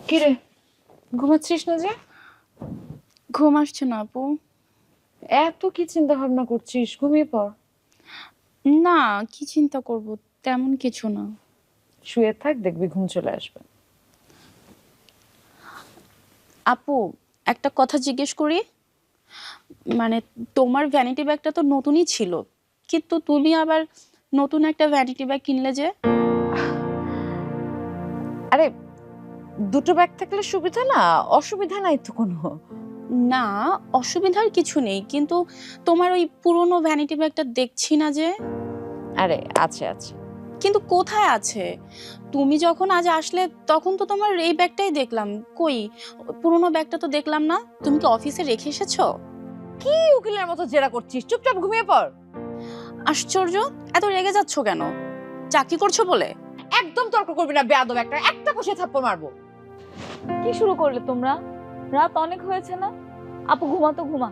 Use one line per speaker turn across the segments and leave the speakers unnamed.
কিরে, ঘুমাচ্ছিস না যে?
ঘুম আসছে না আপু।
এত কি চিন্তা ভাবনা করছিস? ঘুমিয়ে পড়।
না, কি চিন্তা করব, তেমন কিছু না।
শুয়ে থাক, দেখবি ঘুম চলে আসবে।
আপু, একটা কথা জিজ্ঞেস করি, মানে তোমার ভ্যানিটি ব্যাগটা তো নতুনই ছিল, কিন্তু তুমি আবার নতুন একটা ভ্যানিটি ব্যাগ কিনলে যে?
আরে, দুটো ব্যাগ থাকলে সুবিধা না, অসুবিধা নাই তো কোনো।
না, অসুবিধার কিছু নেই, কিন্তু তোমার ওই পুরনো ভ্যানিটি ব্যাগটা দেখছি না যে।
আরে আছে আছে।
কিন্তু কোথায় আছে? তুমি যখন আজ আসলে তখন তো তোমার এই ব্যাগটাই দেখলাম, কই পুরনো ব্যাগটা তো দেখলাম না। তুমি কি অফিসে রেখে এসেছো?
কি উকিলের মতো জেরা করছিস? চুপচাপ ঘুমিয়ে পড়।
আশ্চর্য, এত রেগে যাচ্ছ কেন? চাকরি করছো বলে?
একদম তর্ক করবি না, বেয়াদব একটা কষে থাপ্পড় মারবো।
কি শুরু করলে তোমরা? রাত অনেক হয়েছে না? আপু ঘুমা তো ঘুমা।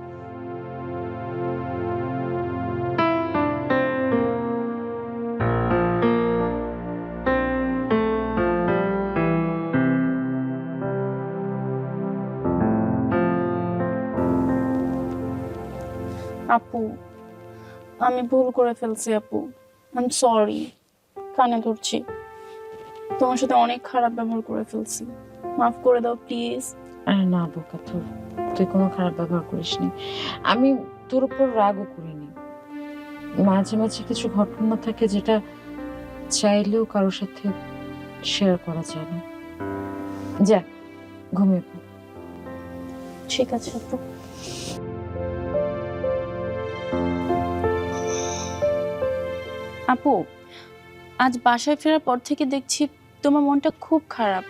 আপু, আমি ভুল করে ফেলছি আপু, আই এম সরি। কানে ধরছি, তোমার সাথে অনেক খারাপ ব্যবহার করে ফেলছি, মাফ করে দাও প্লিজ।
আরে না বোকা, তুই কোনো খারাপ ব্যবহার করিসনি। আমি তোর উপর রাগও করিনি। মাঝে মাঝে কিছু ঘটনা থাকে যেটা চাইলেও কারোর সাথে শেয়ার করা যায় না। যা, ঘুমিয়ে পড়।
ঠিক আছে আপু। আপু, আজ বাসায় ফেরার পর থেকে দেখছি তোমার মনটা খুব খারাপ।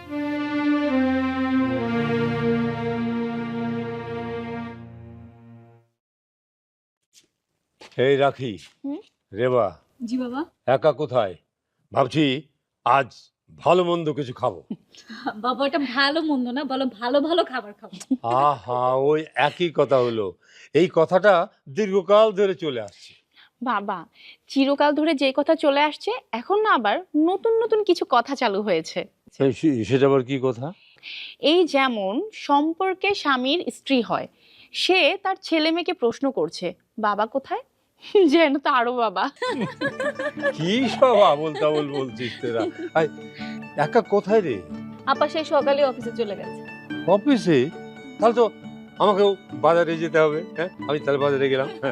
এই রাখি।
হুম?
রেবা,
জি বাবা।
একা কোথায়? ভাবছি আজ ভালো মন্দ কিছু খাবো।
বাবা এটা ভালো মন্দ না, বলো ভালো ভালো খাবার খাবো।
আহা, ওই একই কথা হলো। এই কথাটা দীর্ঘকাল ধরে চলে আসছে।
বাবা, চিরকাল ধরে যে কথা চলে আসছে, এখন না আবার নতুন নতুন কিছু কথা চালু হয়েছে।
সেটা আবার কি কথা?
এই যেমন সম্পর্কে স্বামীর স্ত্রী হয়, সে তার ছেলে মেয়েকে প্রশ্ন করছে বাবা কোথায়, যেন তারও বাবা।
কি সব আবোল তাবোল বলছিস তোরা? আই, একা কোথায় রে?
আপা সেই সকালে অফিসে চলে গেছে।
অফিসে? তাহলে তো আমাকেও বাজারে যেতে হবে। হ্যাঁ, আমি তাহলে বাজারে গেলাম। হ্যাঁ।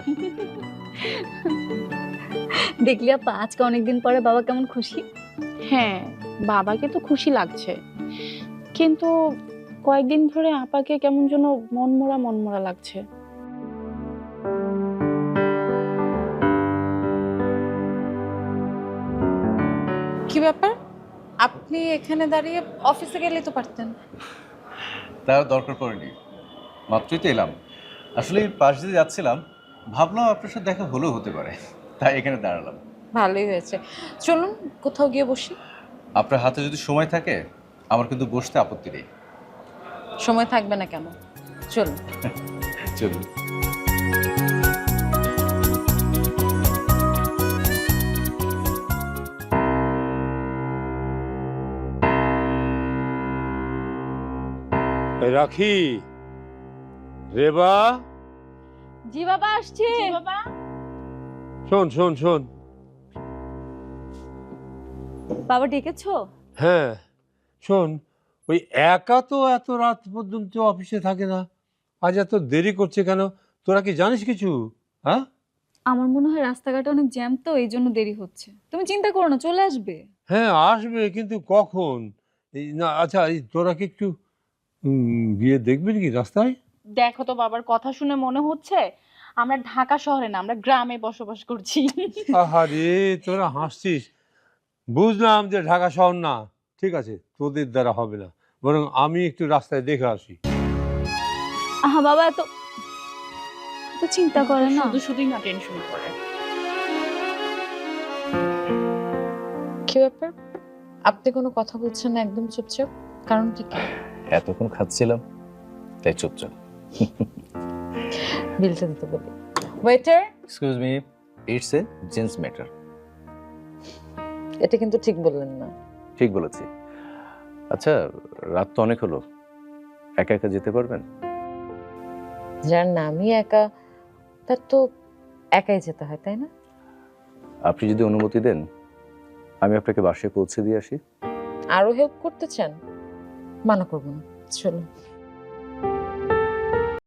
দেখলি আপা আজকে অনেকদিন পরে বাবা কেমন খুশি।
হ্যাঁ, বাবাকে তো খুশি লাগছে, কিন্তু কয়েকদিন ধরে আপাকে কেমন যেন মনমরা মনমরা লাগছে।
কি ব্যাপার? আপনি এখানে দাঁড়িয়ে অফিসে গেলেই তো পারতেন।
তার দরকার পড়েনি, মাত্রই তো এলাম। আসলে পাশ দিয়ে যাচ্ছিলাম, ভাবলাম আপনার সাথে দেখা হলেও হতে পারে, তাই এখানে দাঁড়ালাম।
ভালোই হয়েছে, চলুন কোথাও গিয়ে বসি।
আপনার হাতে যদি সময় থাকে, আমার কিন্তু বসতে আপত্তি নেই।
সময় থাকবে না কেন? চলুন।
চলুন।
রাখি, রেবা,
জি বাবা আসছে।
বাবা,
শোন শোন শোন।
বাবা ডেকেছো?
হ্যাঁ, শোন, ওই একা তো এত রাত পর্যন্ত অফিসে থাকে না, আজ এত দেরি করছে কেন? তোরা কি জানিস কিছু? হ্যাঁ
আমার মনে হয় রাস্তাঘাটে অনেক জ্যাম, তো এই জন্য দেরি হচ্ছে। তুমি চিন্তা করো না, চলে আসবে।
হ্যাঁ, আসবে, কিন্তু কখন? এই না, আচ্ছা, এই তোরা কি একটু গিয়ে দেখবি নাকি রাস্তায়?
দেখো তো, বাবার কথা শুনে মনে হচ্ছে আমরা ঢাকা শহরে না, আমরা গ্রামে বসবাস করছি।
আহারে, তোরা হাসছিস। বুঝলাম যে ঢাকা শহর না, ঠিক আছে, তোদের দ্বারা হবে না, বরং আমি একটু রাস্তায় দেখে আসি।
আহা বাবা এত এত চিন্তা করে না।
শুধু শুধুই না টেনশন করে।
কি ব্যাপার? আপনি কোনো কথা বলছেন না, একদম চুপচাপ, কারণটা কি?
এতক্ষণ খাচ্ছিলাম, তাই চুপচাপ।
বিলটা দিতে বলি। Waiter,
excuse me, it's a gents matter.
এটা কিন্তু ঠিক বললেন না।
ঠিক বলেছি। আচ্ছা, রাত তো অনেক হলো, একা একা যেতে পারবেন?
যার নামই একা, তার তো একাই যেতে হয়, তাই না?
আপনি যদি অনুমতি দেন, আমি আপনাকে বাসায় পৌঁছে দিয়ে আসি।
আরো হেল্প করতে চান? মানা করবো না, চলো।